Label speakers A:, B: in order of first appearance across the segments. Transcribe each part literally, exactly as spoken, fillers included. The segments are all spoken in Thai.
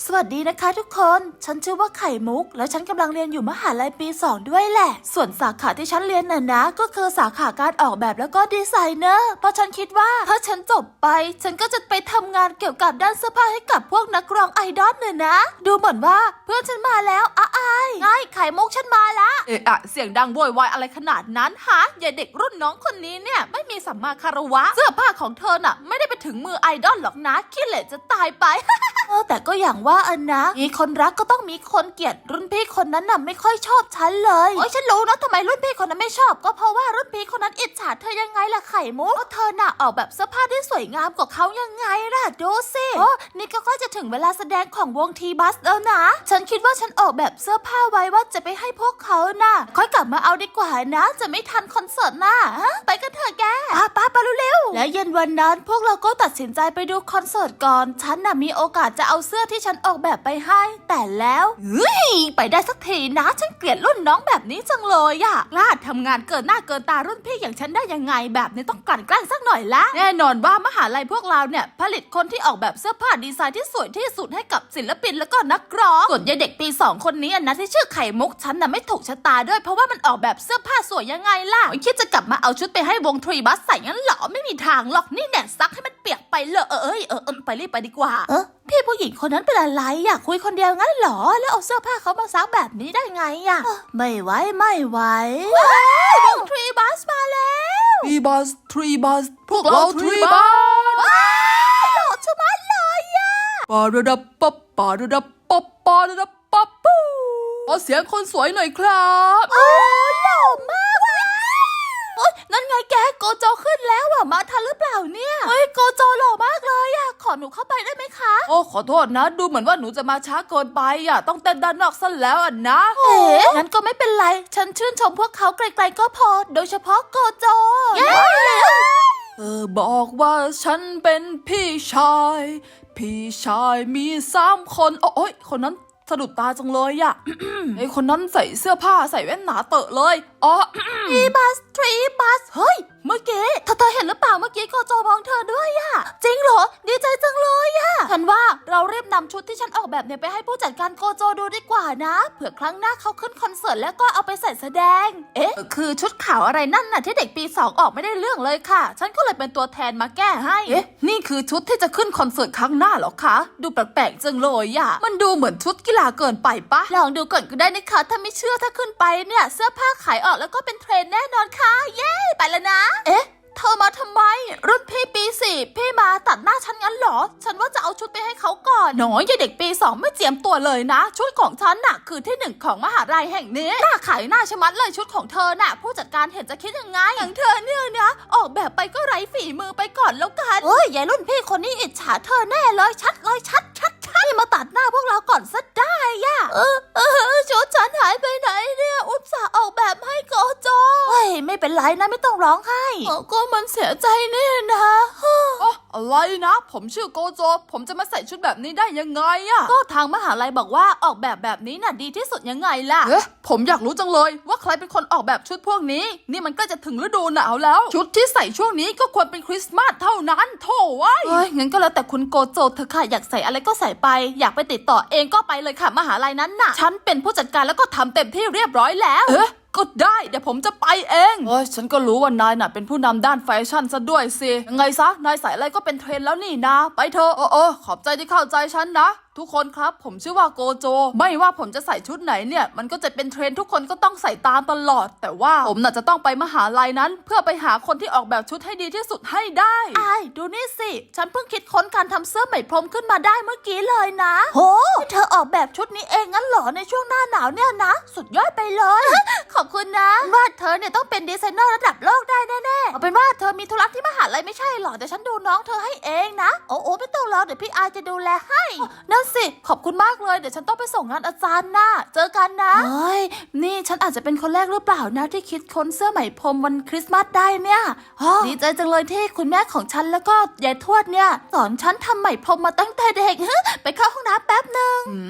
A: สวัสดีนะคะทุกคนฉันชื่อว่าไข่มุกแล้วฉันกำลังเรียนอยู่มหาลัยปีสองด้วยแหละส่วนสาขาที่ฉันเรียนน่ะนะก็คือสาขาการออกแบบแล้วก็ดีไซเนอร์เพราะฉันคิดว่าถ้าฉันจบไปฉันก็จะไปทำงานเกี่ยวกับด้านเสื้อผ้าให้กับพวกนักร้องไอดอลเนี่ยนะดูเหมือนว่าเพื่อนฉันมาแล้วอ้ายไงไข่มุกฉันมาละเอะอะเสียงดังโวยวายอะไรขนาดนั้นฮะอย่าเด็กรุ่นน้องคนนี้เนี่ยไม่มีสัมมาคารวะเสื้อผ้าของเธอน่ะไม่ได้ไปถึงมือไอดอลหรอกนะขี้เหร่จะตายไป เออแต่ก็อย่างว่าอันนะมีคนรักก็ต้องมีคนเกลียดรุ่นพี่คนนั้นน่ะไม่ค่อยชอบฉันเลยโอ้ยฉันรู้นะทำไมรุ่นพี่คนนั้นไม่ชอบก็เพราะว่ารุ่นพี่คนนั้นอิจฉาเธอยังไงล่ะไข่มุกก็เธอน่ะออกแบบเสื้อผ้าที่สวยงามกว่าเขายังไงล่ะดูสิโอ้นี่ก็ใกล้จะถึงเวลาแสดงของวงทีบัสแล้วนะฉันคิดว่าฉันออกแบบเสื้อผ้าไว้ว่าจะไปให้พวกเขาน่ะค่อยกลับมาเอาดีกว่านะจะไม่ทันคอนเสิร์ตน่ะไปกันเถอะแกป้าป้าไปเร็วๆและเย็นวันนั้นพวกเราก็ตัดสินใจไปดูคอนเสิร์ตก่อนฉันน่ะมีโอกาสจะเอาเสื้อที่ฉันออกแบบไปให้แต่แล้วเฮ้ยไปได้สักทีนะฉันเกลียดรุ่นน้องแบบนี้จังเลยอะกล้าทำงานเกินหน้าเกินตารุ่นพี่อย่างฉันได้ยังไงแบบนี้ต้องกลั่นแกล้งสักหน่อยละแน่นอนว่ามหาลัยพวกเราเนี่ยผลิตคนที่ออกแบบเสื้อผ้าดีไซน์ที่สวยที่สุดให้กับศิลปินแล้วก็นักร้องส่วนยายเด็กปีสองคนนี้นะที่ชื่อไข่มุกฉันน่ะไม่ถูกชะตาด้วยเพราะว่ามันออกแบบเสื้อผ้าสวยยังไงล่ะคิดจะกลับมาเอาชุดไปให้วงทรีบัสใส่งั้นเหรอไม่มีทางหรอกนี่แน่ซักให้มันเปียกไปเลยเอ้ยเออเออไปรีบไปดีกว่าเออพี่ผู้หญิงคนนั้นเป็นอะไรอยากคุยคนเดียวงั้นเหรอแล้วเอาเสื้อผ้าเขามาซักแบบนี้ได้ไงอะไม่ไหวไม่ไหววงทรีบัสมาแล้ว
B: ทรีบัสทรีบัสพวกเราทรีบัส
A: หล่อชะมัดเลยอะ
B: ปาระดับป๊บปาระดับป๊บปาระดับป๊บปูขอเสียงคนสวยหน่อยครับ
A: โอ้หล่อมากโอ๊ยนั่นไงแกโกโจขึ้นแล้วอะมาทันหรือเปล่าเนี่ยเฮ้ยโกโจหล่อมากเลยอะขอหนูเข้าไปได้ไหมคะ
B: โอ้ขอโทษนะดูเหมือนว่าหนูจะมาช้าเกินไปอ่ะต้องเต้นด้านนอกซะแล้วอ่ะนะ
A: เอ๋งั้นก็ไม่เป็นไรฉันชื่นชมพวกเขาไกลๆก็พอโดยเฉพาะโกโจเย้
B: เธอบอกว่าฉันเป็นพี่ชายพี่ชายมีสามคนโอ้ยคนนั้นสะดุดตาจังเลยอ่ะ ไอคนนั้นใส่เสื้อผ้าใส่แว่นหนาเตอะเลยอ๋อ
A: ทรีบัสทรีบัสเฮ้ยเมื่อกี้เธอเธอเห็นหรือเปล่าเมื่อกี้โกโจมองเธอด้วยอะจริงเหรอดีใจจังเลยอะฉันว่าเรารีบนำชุดที่ฉันออกแบบเนี่ยไปให้ผู้จัดการโกโจดูดีกว่านะเผื่อครั้งหน้าเขาขึ้นคอนเสิร์ตแล้วก็เอาไปใส่แสดงเอ๊ะคือชุดขาวอะไรนั่นน่ะที่เด็กปีสองออกไม่ได้เรื่องเลยค่ะฉันก็เลยเป็นตัวแทนมาแก้ให้
B: เอ๊ะนี่คือชุดที่จะขึ้นคอนเสิร์ตครั้งหน้าเหรอคะดูแปลกๆจังเลยอ่ะมันดูเหมือนชุดกีฬาเกินไปปะ
A: ลองดูก่อนก็ได้นะคะถ้าไม่เชื่อถ้าขึ้นไปเนี่ยเสื้อผ้าขายออกแล้วก็เป็นเทรนด์แน่นอนค่ะเย้ไปแล้วนะเอ๊ะเธอมาทำไมรุ่นพี่ปีสี่พี่มาตัดหน้าฉันงั้นเหรอฉันว่าจะเอาชุดไปให้เขาก่อนน้อยยายเด็กปีสองไม่เจียมตัวเลยนะชุดของฉันน่ะคือที่หนึ่งของมหาลัยแห่งนี้หน้าขายหน้าชะมัดเลยชุดของเธอน่ะผู้จัดการเห็นจะคิดยังไงอย่างเธอเนี่ยนะออกแบบไปก็ไร้ฝีมือไปก่อนแล้วกันเอ้ยยายรุ่นพี่คนนี้อิจฉาเธอแน่เลยชัดเลยชัดชัดชัดมาตัดหน้าพวกเราก่อนซะได้ย่ะเออเออชุดฉันหายไปไหนเนี่ยอุตส่าห์ออกแบบให้โกโจเฮ้ยไม่เป็นไรนะไม่ต้องร้องไห้ก็มันเสียใจนี่นะ
B: อ๋ออะไรนะผมชื่อโกโจผมจะมาใส่ชุดแบบนี้ได้ยังไงอะ
A: ก็ทางมหาลัยบอกว่าออกแบบแบบนี้น่ะดีที่สุดยังไงล่ะ
B: เอ๊ะผมอยากรู้จังเลยว่าใครเป็นคนออกแบบชุดพวกนี้นี่มันก็จะถึงฤดูหนาวแล้ว ชุดที่ใส่ช่วงนี้ก็ควรเป็นคริสต์มาสเท่านั้นโถ่ไว้ย
A: เฮ้ยงั้นก็แล้วแต่คุณโกโจเธอค่ะอยากใส่อะไรก็ใส่ไปอยากไปติดต่อเองก็ไปเลยค่ะมหาลัยนั้นน่ะฉันเป็นผู้จัดการแล้วก็ทำเต็มที่เรียบร้อยแล้ว
B: เอ๊ะก็ได้เดี๋ยวผมจะไปเองเอ้ยฉันก็รู้ว่านายน่ะเป็นผู้นำด้านแฟชั่นซะด้วยสิยังไงซะนายใส่อะไรก็เป็นเทรนด์แล้วนี่นะไปเถอะเออเออขอบใจที่เข้าใจฉันนะทุกคนครับผมชื่อว่าโกโจไม่ว่าผมจะใส่ชุดไหนเนี่ยมันก็จะเป็นเทรนด์ทุกคนก็ต้องใส่ตามตลอดแต่ว่าผมน่ะจะต้องไปมหาลัยนั้น เพื่อไปหาคนที่ออกแบบชุดให้ดีที่สุดให้ได้
A: ไอ้ดูนี่สิฉันเพิ่งคิดค้นการทำเสื้อไหมพรมขึ้นมาได้เมื่อกี้เลยนะโหเธอออกแบบชุดนี้เองงั้นเหรอในช่วงหน้าหนาวเนี่ยนะสุดยอดไปเลย ขอบคุณนะว่าเธอเนี่ยต้องเป็นดีไซเนอร์ระดับโลกได้แน่ๆเอาเป็นว่าเธอมีธุระที่มหาลัยไม่ใช่หรอแต่ฉันดูน้องเธอให้เองนะโอ้โอ้ไม่ต้องรอเดี๋ยวพี่อาจะดูแลให้นั่นสิขอบคุณมากเลยเดี๋ยวฉันต้องไปส่งงานอาจารย์นะเจอกันนะเฮ้ยนี่ฉันอาจจะเป็นคนแรกหรือเปล่านะที่คิดค้นเสื้อไหมพรมวันคริสต์มาสได้เนี่ยดีใจจังเลยที่คุณแม่ของฉันแล้วก็ยายทวดเนี่ยสอนฉันทำไหมพรมมาตั้งแต่เด็ก ไปเข้าห้องน้ำแป๊บนึง
B: อืมนี่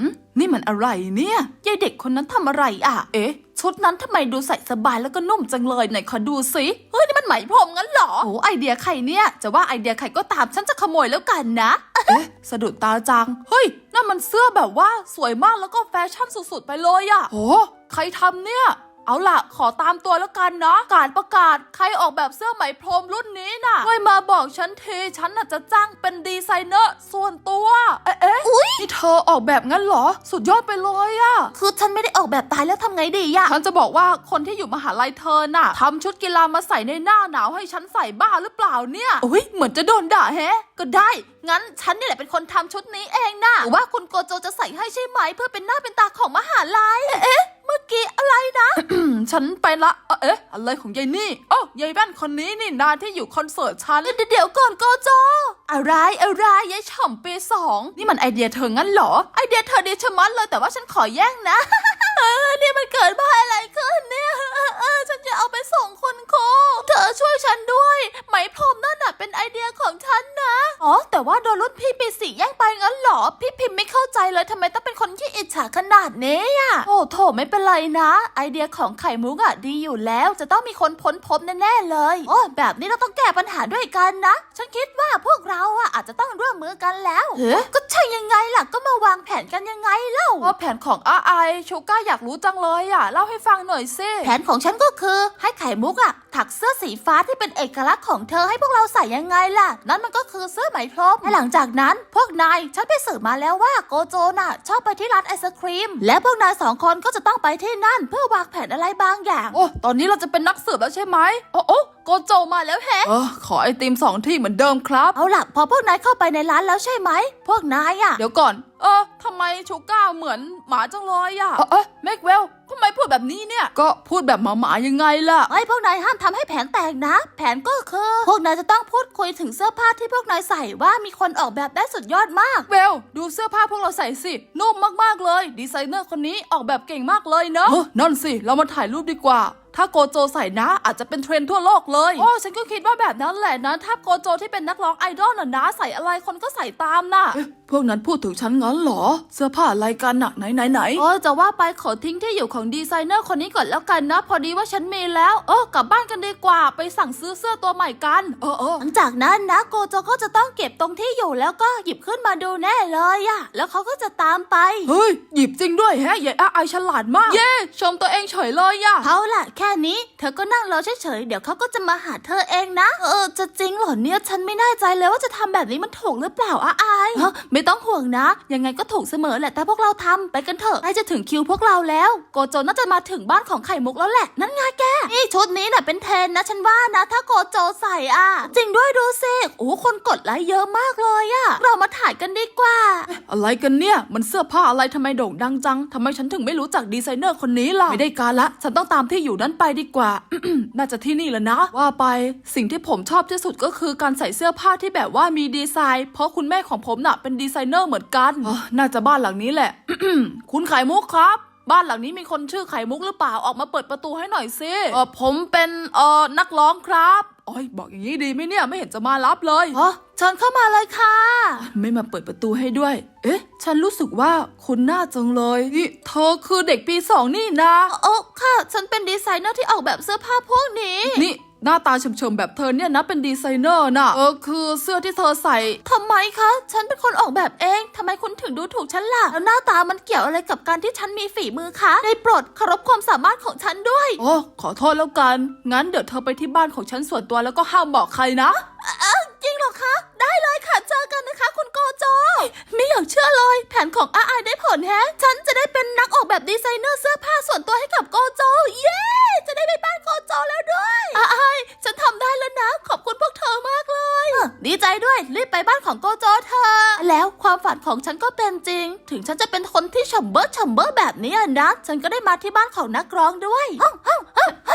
B: มันอะไรเนี่ยยายเด็กคนนั้นทำอะไรอ่ะเอ๊ะชุดนั้นทำไมดูใส่สบายแล้วก็นุ่มจังเลยไหนขอดูสิเฮ้ยนี่มันไหมพรมงั้นเหรอโอ้ไอเดียใครเนี่ยจะว่าไอเดียใครก็ตามฉันจะขโมยแล้วกันนะเอ๊ะสะดุดตาจังเฮ้ยนั่นมันเสื้อแบบว่าสวยมากแล้วก็แฟชั่นสุดๆไปเลยอ่ะโหใครทำเนี่ยเอาล่ะขอตามตัวแล้วกันนะการประกาศใครออกแบบเสื้อไหมพรมรุ่นนี้น่ะช่วยมาบอกฉันทีฉันน่ะจะจ้างเป็นดีไซเนอร์ส่วนตัวเอ๊ะเอ๊ะนี่เธอออกแบบงั้นเหรอสุดยอดไปเลยอะ
A: คือฉันไม่ได้ออกแบบตายแล้วทำไงดีอะ
B: ฉันจะบอกว่าคนที่อยู่มหาลัยเธอน่ะทำชุดกีฬามาใส่ในหน้าหนาวให้ฉันใส่บ้าหรือเปล่าเนี่ยโอ้ยเหมือนจะโดนด่าแฮะก็ได้งั้นฉันนี่แหละเป็นคนทำชุดนี้เองนะหรือว่าคุณโกโจจะใส่ให้ใช่ไหมเพื่อเป็นหน้าเป็นตาของมหาลัยเอ๊ะเมื่อกี้อะไรนะ ฉันไปละเอ๊ะอะไรของยายนี่โอ้ยายแว่นคนนี้นี่นาที่อยู่คอนเสิร์ตฉันเดี๋ยวก่อนโกโจอะไรอะไรยายฉ่ำปีสองนี่มันไอเดียเธองั้นเหรอไอเดียเธอดีชะมัดเลยแต่ว่าฉันขอแย่งนะ เออนี่มันเกิดมาอะไรขึ้นเนี่ยเออฉันจะเอาไปส่งคุณครูเธอช่วยฉันด้วยไหมพรมนั่นน่ะเป็นไอเดียของฉันนะอ๋อแต่ว่าโดนรุ่นพี่ปีสี่แย่งไปงั้นเหรอพี่พิมพ์ไม่เข้าใจเลยทำไมต้องเป็นคนที่อิจฉาขนาดนี้อ่ะโอ้โถไม่เป็นไรนะไอเดียของไข่มุกอ่ะดีอยู่แล้วจะต้องมีคนพ้นพบแน่ๆเลยโอ้แบบนี้เราต้องแก้ปัญหาด้วยกันนะฉันคิดว่าพวกเราอ่ะอาจจะต้องร่วมมือกันแล้วเฮ้ก็ใช่ยังไงล่ะก็มาวางแผนกันยังไงเล่าว่าแผนของอาไอชูก้าอยากรู้จังเลยอ่ะเล่าให้ฟังหน่อยสิแผนของฉันก็คือให้ไข่มุกอ่ะถักเสื้อสีฟ้าที่เป็นเอกลักษณ์ของเธอให้พวกเราใส่ยังไงล่ะนั่นมันก็คือเสื้อไหมพรมและหลังจากนั้นพวกนายฉันไปสืบมาแล้วว่าโกโจน่ะชอบไปที่ร้านไอศครีมและพวกนายสองคนก็จะต้องไปที่นั่นเพื่อวางแผนอะไรบางอย่างโอ้ตอนนี้เราจะเป็นนักสืบแล้วใช่ไหมโอ้โอ้โกโจมาแล้วแฮะเออขอไอติมสองที่เหมือนเดิมครับเอาล่ะพอพวกนายเข้าไปในร้านแล้วใช่ไหมพวกนายอ่ะเดี๋ยวก่อนเออทำไมชูก้าเหมือนหมาจังเลยอ่ะเออเออแม็กเวลทำไมพูดแบบนี้เนี่ยก็พูดแบบหมาหมายังไงล่ะไอ้พวกนายห้ามทำให้แผนแตกนะแผนก็คือพวกนายจะต้องพูดคุยถึงเสื้อผ้าที่พวกนายใส่ว่ามีคนออกแบบได้สุดยอดมากเวลดูเสื้อผ้าพวกเราใส่สินุ่มมากๆเลยดีไซเนอร์คนนี้ออกแบบเก่งมากเลยเนอะเออนั่นสิเรามาถ่ายรูปดีกว่าถ้าโกโจใส่นะอาจจะเป็นเทรนด์ทั่วโลกเลยโอ้ฉันก็คิดว่าแบบนั้นแหละนะถ้าโกโจที่เป็นนักร้องไอดอลน่ะนะใส่อะไรคนก็ใส่ตามน่ะพวกนั้นพูดถึงฉันงั้นเหรอเสื้อผ้าอะไรกันน่ะไหนไหนไหนโอ้จะว่าไปขอทิ้งที่อยู่ของดีไซเนอร์คนนี้ก่อนแล้วกันนะพอดีว่าฉันมีแล้วเออกลับบ้านกันดีกว่าไปสั่งซื้อเสื้อตัวใหม่กันเออเออหลังจากนั้นนะโกโจก็จะต้องเก็บตรงที่อยู่แล้วก็หยิบขึ้นมาดูแน่เลยอะแล้วเขาก็จะตามไปเฮ้ยหยิบจริงด้วยแฮะยายอาไอฉลาดมากเย่ชมตัวเองเฉยเลยอะเขาล่ะแค่นี้เธอก็นั่งรอเฉยๆเดี๋ยวเขาก็จะมาหาเธอเองนะเออจะจริงเหรอเนี่ยฉันไม่แน่ใจเลยว่าจะทำแบบนี้มันถูกหรือเปล่าอาไอเฮ้ยไม่ต้องห่วงนะยังไงก็ถูกเสมอแหละแต่พวกเราทำไปกันเถอะใกล้จะถึงคิวพวกเราแล้วโกโจน่าจะมาถึงบ้านของไข่มุกแล้วแหละนั่นไงแกนี่ชุดนี้น่ะเป็นเทรนนะฉันว่านะถ้าโกโจใส่อ่ะจริงด้วยดูสิโอ้คนกดไลค์เยอะมากเลยอ่ะเรามาถ่ายกันดีกว่าอะไรกันเนี่ยมันเสื้อผ้าอะไรทำไมโด่งดังจังทำไมฉันถึงไม่รู้จักดีไซเนอร์คนนี้ล่ะไม่ได้การละฉันต้องตามที่อยู่นั้นไปดีกว่า น่าจะที่นี่แหละนะว่าไปสิ่งที่ผมชอบที่สุดก็คือการใส่เสื้อผ้าที่แบบว่ามีดีไซน์เพราะคุณแม่ของผมน่ะเป็นดีไซเนอร์เหมือนกันน่าจะบ้านหลังนี้แหละ คุณไข่มุกครับบ้านหลังนี้มีคนชื่อไข่มุกหรือเปล่าออกมาเปิดประตูให้หน่อยสิเออผมเป็นเอ่อนักร้องครับโอ้ยบอกอย่างนี้ดีไหมเนี่ยไม่เห็นจะมารับเลยอ๋อเชิญเข้ามาเลยค่ะไม่มาเปิดประตูให้ด้วยเอ๊ะฉันรู้สึกว่าคุณหน้าจังเลยนี่เธอคือเด็กปีสองนี่นะโอ้ค่ะฉันเป็นดีไซเนอร์ที่ออกแบบเสื้อผ้าพวกนี้นี่หน้าตาเฉมๆแบบเธอเนี่ยนะเป็นดีไซเนอร์น่ะเออคือเสื้อที่เธอใส่ทำไมคะฉันเป็นคนออกแบบเองทำไมคุณถึงดูถูกฉันล่ะแล้วหน้าตามันเกี่ยวอะไรกับการที่ฉันมีฝีมือคะได้โปรดเคารพความสามารถของฉันด้วยโอ้ขอโทษแล้วกันงั้นเดี๋ยวเธอไปที่บ้านของฉันส่วนตัวแล้วก็ห้ามบอกใครนะเออจริงเหรอคะได้เลยค่ะเจอกันนะคะคุณโกโจไม่อยากเชื่อเลยแผนของอาไอได้ผลแฮะฉันจะได้เป็นนักออกแบบดีไซเนอร์เสื้อผ้าส่วนตัวให้กับโกโจเย้จะได้ไปบ้านโกโจแล้วด้วยอาไอฉันทำได้แล้วนะขอบคุณพวกเธอมากเลยดีใจด้วยรีบไปบ้านของโกโจเธอแล้วความฝันของฉันก็เป็นจริงถึงฉันจะเป็นคนที่ฉ่ำเบ้อฉ่ำเบ้อแบบนี้นะฉันก็ได้มาที่บ้านของนักร้องด้วยฮ่องฮ่องฮ่องฮ่อง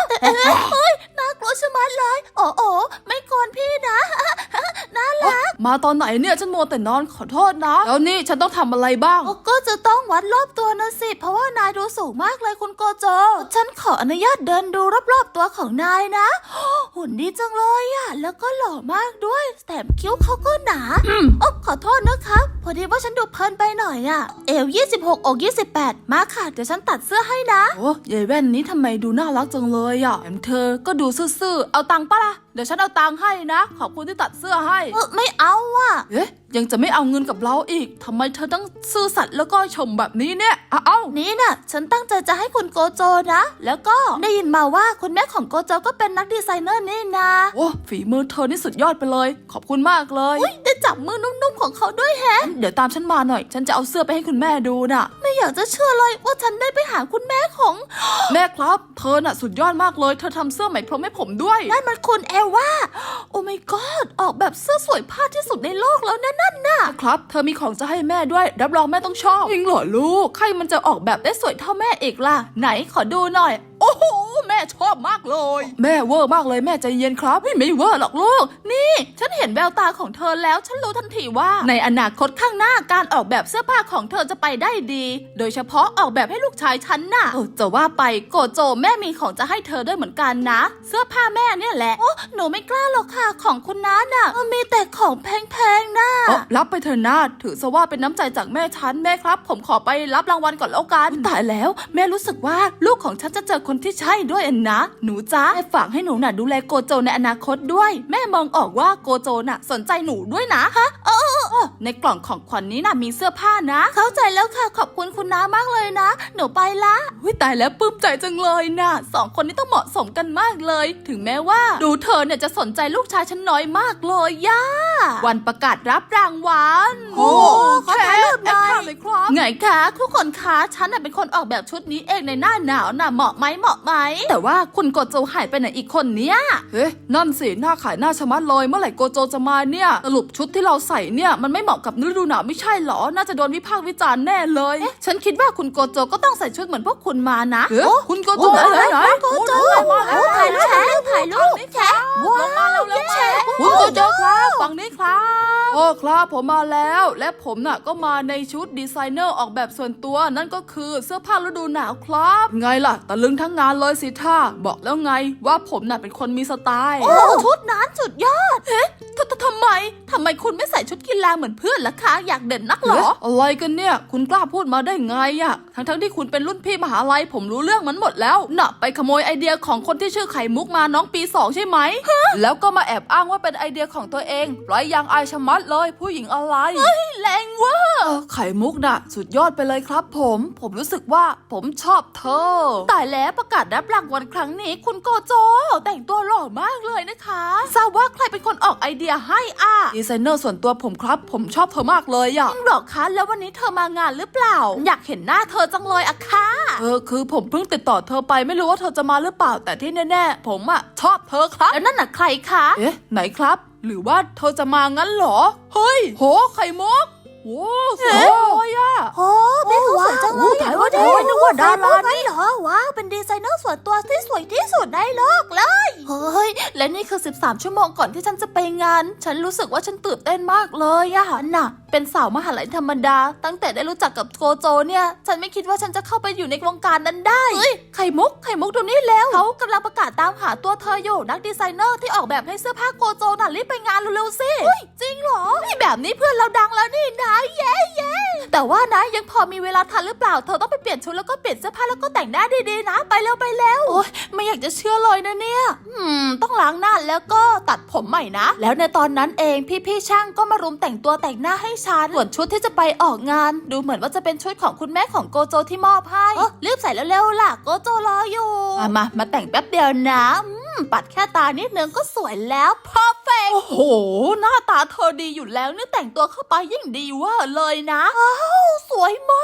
A: เฮ้ยน่ากลัวชะมัดเลยโอ้โอไม่กวนพี่นะน่ารัก
B: มาตอนไหนเนี่ยฉันมัวแต่นอนขอโทษนะแล้วนี่ฉันต้องทำอะไรบ้าง
A: ก็จะต้องวัดรอบตัวนะสิเพราะว่านายดูสูงมากเลยคุณโกโจฉันขออนุญาตเดินดูรอบๆตัวของนายนะหุ่นดีจังเลยอะแล้วก็หล่อมากด้วยแถมคิ้วเขาก็หนาโอ้ขอโทษนะครับพอดีว่าฉันดูเพลินไปหน่อยอะเอวยี่สิบหกอกยี่สิบแปดมาค่ะเดี๋ยวฉันตัดเสื้อให้นะ
B: โอ้ยายแว่นนี้ทำไมดูน่ารักจังเลยอ่ะแถมเธอก็ดูซื่อๆเอาตังค์ปะล่ะเดี๋ยวฉันเอาตังค์ให้นะขอบคุณที่ตัดเสื้อให้
A: เออไม่เอาอ่ะ
B: เอ๊ะยังจะไม่เอาเงินกับเราอีกทำไมเธอต้องซื่อสัตย์แล้วก็ชมแบบนี้เนี่ยอ้าเอ้า
A: นี่น่ะ ฉันตั้งใจจะให้คุณโกโจนะ แล้วก็ได้ยินมาว่าคุณแม่ของโกโจก็เป็นนักดีไซเนอร์นี่นะ
B: โอ้ฝีมือเธอนี่สุดยอดไปเลยขอบคุณมากเลย
A: อุ๊ยได้จับมือนุ่มๆของเขาด้วยแฮะ
B: เดี๋ยวตามฉันมาหน่อยฉันจะเอาเสื้อไปให้คุณแม่ดูน่ะ
A: ไม่อยากจะเชื่อเลยว่าฉันได้ไปหาคุณแม่ของ
B: แม่ครับเธอน่ะสุดยอดมากเลยเธอทำเสื้อไหมพรมให้ผมด้วย
A: นั่นมันคุณเอว่าโอ้ my god ออกแบบเสื้อสวยพาดที่สุดในโลกแล้วนะนั่นน่ะ
B: ครับเธอมีของจะให้แม่ด้วยรับรองแม่ต้องชอบจริงเหรอลูกใครมันจะออกแบบได้สวยเท่าแม่อีกล่ะไหนขอดูหน่อยโอ้โหแม่ชอบมากเลยแม่เวอร์มากเลยแม่ใจเย็นครับไม่ไม่เวอร์หรอกลูกนี่ฉันเห็นแววตาของเธอแล้วฉันรู้ทันทีว่าในอนาคตข้างหน้าการออกแบบเสื้อผ้าของเธอจะไปได้ดี โดยเฉพาะออกแบบให้ลูกชายฉันน่ะเออจะว่าไปโกโจแม่มีของจะให้เธอด้วยเหมือนกันนะเสื้อผ้าแม่เนี่ยแหละโอ้หนูไม่กล้าหรอกค่ะของคุณน้าน่ะมีแต่ของแพงๆน่ะเออรับไปเถอะนะถือซะว่าเป็นน้ำใจจากแม่ฉันแม่ครับผมขอไปรับรางวัลก่อนแล้วกันตายแล้วแม่รู้สึกว่าลูกของฉันจะเจอคนที่ใช่ด้วยอันนะหนูจ้าแม่ฝากให้หนูน่ะดูแลโกโจในอนาคตด้วยแม่มองออกว่าโกโจน่ะสนใจหนูด้วยนะฮะเออเออในกล่องของขวัญ น, นี้น่ะมีเสื้อผ้านะเข้าใจแล้วค่ะขอบคุณคุณน้ามากเลยนะหนูไปละวิตายแล้วปลื้มใจจังเลยนะสองคนนี้ต้องเหมาะสมกันมากเลยถึงแม้ว่าดูเธอเนี่ยจะสนใจลูกชายฉันน้อยมากเลยย่าวันประกาศรับรางวัล
A: โอ้ขอถ่ายรูปหน่อย
B: แอบถ่ายเลยครับไงคะทุกคนคะฉันน่ะเป็นคนออกแบบชุดนี้เองในหน้าหนาวน่ะเหมาะไหมเหมาะไหมแต่ว่าคุณโกโจหายไปไหนอีกคนเนี้ยเฮ้ยนั่นสิหน้าขายหน้าชะมัดเลยเมื่อไหร่โกโจจะมาเนี่ยสรุปชุดที่เราใส่เนี่ยมันไม่เหมาะกับฤดูหนาวไม่ใช่หรอน่าจะโดนวิพากษ์วิจารณ์แน่เลยฉันคิดว่าคุณโกโจก็ต้องใส่ชุดเหมือนพวกคุณมานะคุณโกโจไหนไหนโกโจมาแล้วถ่ายรูปถ่ายรูปแชะว้าวมาแล้วแล้วแชะคุณโกโจครับฝั่งนี้ครับโอ้ครับผมมาแล้วและผมน่ะก็มาในชุดดีไซเนอร์ออกแบบส่วนตัวนั่นก็คือเสื้อผ้าฤดูหนาวครับไงล่ะตะลึงทั้งงานเลยสิท่าบอกแล้วไงว่าผมน่ะเป็นคนมีสไตล์
A: โอ้ชุดนั้นสุดยอดเฮ้ททำไมทำไมคุณไม่ใส่ชุดกีฬาเหมือนเพื่อนล่ะคะอยากเด่นนักเหรอ
B: อะไรกันเนี่ยคุณกล้าพูดมาได้ไงอะทั้งทั้งที่คุณเป็นรุ่นพี่มหาลัยผมรู้เรื่องมันหมดแล้วน่ะไปขโมยไอเดียของคนที่ชื่อไข่มุกมาน้องปีสองใช่ไหมแล้วก็มาแอบอ้างว่าเป็นไอเดียของตัวเองปล่อยยางอายชะมัดเลยผู้หญิงอะไร
A: เฮ้ยแรงเวอร์
B: ไข่มุกน่ะสุดยอดไปเลยครับผมผมรู้สึกว่าผมชอบเธอ
A: ตายแล้วประกาศรับรางวัลครั้งนี้คุณโกโจแต่งตัวหล่อมากเลยนะคะทราบว่าใครเป็นคนออกไอเดียให้อ่ะ
B: ดีไซเนอร์ส่วนตัวผมครับผมชอบเธอมากเลยอ่ะ
A: จริงหรอคะแล้ววันนี้เธอมางานหรือเปล่าอยากเห็นหน้าเธอจังเลยอะค่ะ
B: เออคือผมเพิ่งติดต่อเธอไปไม่รู้ว่าเธอจะมาหรือเปล่าแต่ที่แน่ๆผมอ่ะชอบเธอครับ
A: แล้วนั่นน่ะใครคะ
B: เอ๊ะไหนครับหรือว่าเธอจะมางั้นเหรอเฮ้ยโหไข่มุกโอ้สวยเลยอ่ะ
A: โอ้เป็นสวยจังเลยถ่ายว่าถ่ายนึกว่าดารานี่เหรอว้าวเป็นดีไซเนอร์ส่วนตัวที่สวยที่สุดในโลกเลยเฮ้ยและนี่คือสิบสามชั่วโมงก่อนที่ฉันจะไปงานฉันรู้สึกว่าฉันตื่นเต้นมากเลยอะน่ะเป็นสาวมหาลัยธรรมดาตั้งแต่ได้รู้จักกับโกโจเนี่ยฉันไม่คิดว่าฉันจะเข้าไปอยู่ในวงการนั้นได้เฮ้ยไข่มุกไข่มุกดูนี่แล้วเขากำลังประกาศตามหาตัวเธออยู่นักดีไซเนอร์ที่ออกแบบให้เสื้อผ้าโกโจน่ะรีบไปงานเร็วๆสิเฮ้ยจริงเหรอนี่แบบนี้เพื่อนเราดังแล้วนี่นะเย้เย้แต่ว่านะยังพอมีเวลาทันหรือเปล่าเธอต้องไปเปลี่ยนชุดแล้วก็เปลี่ยนเสื้อผ้าแล้วก็แต่งหน้าดีๆนะไปเร็วไปเร็วโอ๊ยไม่อยากจะเชื่อเลยนะเนี่ยอืมต้องล้างหน้าแล้วก็ตัดผมใหม่นะแล้วในตอนนั้นเองพี่ๆช่างก็มารุมแต่งตัวแต่งหน้าให้ฉันส่วนชุดที่จะไปออกงานดูเหมือนว่าจะเป็นชุดของคุณแม่ของโกโจที่มอบให้เออรีบใส่เร็วๆล่ะโกโจรออยู่มามามาแต่งแป๊บเดียวนะปัดแค่ตานิดนึงก็สวยแล้วเพอร์เฟคโอ้โหหน้าตาเธอดีอยู่แล้วนี่แต่งตัวเข้าไปยิ่งดีเวอร์เลยนะอ้าวสวยมาก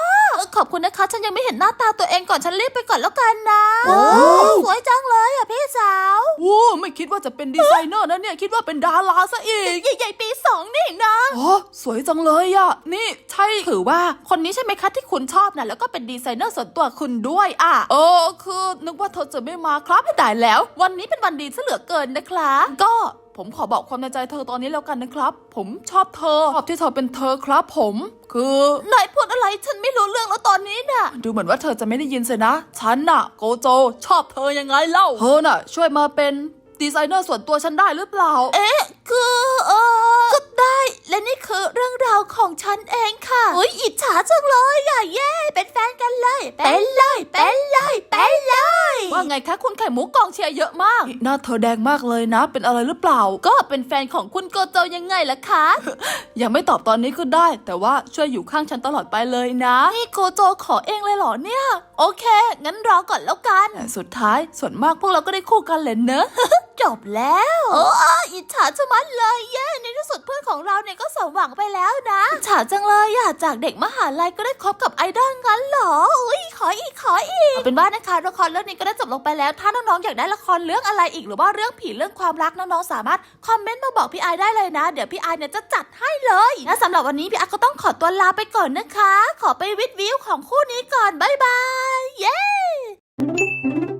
A: อขอบคุณนะคะฉันยังไม่เห็นหน้าตาตัวเองก่อนฉันรีบไปก่อนแล้วกันนะสวยจังเลยอ่ะพี่สาว
B: โอ้ไม่คิดว่าจะเป็นดีไซเนอร์นะเนี่ยคิดว่าเป็นดาราซะอีก
A: ใหญ่ๆปีสองนี่นะ
B: อ๋อสวยจังเลยอะนี่ใช่
A: ถือว่าคนนี้ใช่ไหมคะที่คุณชอบนะแล้วก็เป็นดีไซเนอร์ส่วนตัวคุณด้วยอ่ะ
B: เออคือนึกว่าเธอจะไม่มาครับ
A: ไม่ได้แล้ว วันนี้เป็นวันดีซะเหลือเกินนะคะก็
B: ผมขอบอกความในใจเธอตอนนี้แล้วกันนะครับ ผมชอบเธอชอบที่เธอเป็นเธอครับผม คือน
A: ายพูดอะไรฉันไม่รู้เรื่องแล้วตอนนี้น่ะ
B: ดูเหมือนว่าเธอจะไม่ได้ยินสินะ ฉันน่ะ โกโจ ชอบเธอยังไงเล่าเธอน่ะ ช่วยมาเป็นดีไซเนอร์ส่วนตัวฉันได้หรือเปล่า
A: เอ๊ะคือเออก็ได้และนี่คือเรื่องราวของฉันเองค่ะเฮ้ยอิจฉาจังเลยอ่ะเย้เป็นแฟนกันเลยเป็นเลยเป็นเลยเป็นเลย
B: ว่าไงคะคุณไข่มุกกองเชียร์เยอะมากหน้าเธอแดงมากเลยนะ เป็นอะไรหรือเปล่า
A: ก็เป็นแฟนของคุณโกโจยังไงล่ะคะ
B: ยังไม่ตอบตอนนี้ก็ได้ แต่ว่าช่วยอยู่ข้างฉันตลอดไปเลยนะ
A: นี่โกโจขอเองเลยเหรอเนี่ยโอเคงั้นรอก่อนแล้วกัน
B: แต่สุดท้ายส่วนมากพวกเราก็ได้คู่กันเลยเนอะ
A: จบแล้วโอ้อิจฉาจังมันเลยเย้ในที่สุดเพื่อนของเราเนี่ยก็สมหวังไปแล้วนะอิจฉาจังเลยอะจากเด็กมหาลัยก็ได้คบกับไอดอลงั้นเหรออุ้ยขออีกขออีกเอาเป็นว่านะคะละครเรื่องนี้ก็ได้จบลงไปแล้วถ้าน้องๆอยากได้ละครเรื่องอะไรอีกหรือว่าเรื่องผีเรื่องความรักน้องๆสามารถคอมเมนต์มาบอกพี่ไอได้เลยนะเดี๋ยวพี่ไอเนี่ยจะจัดให้เลยและสำหรับวันนี้พี่ไอก็ต้องขอตัวลาไปก่อนนะคะ ขอไปวิดวิวของคู่นี้ก่อนบ๊ายบายเย้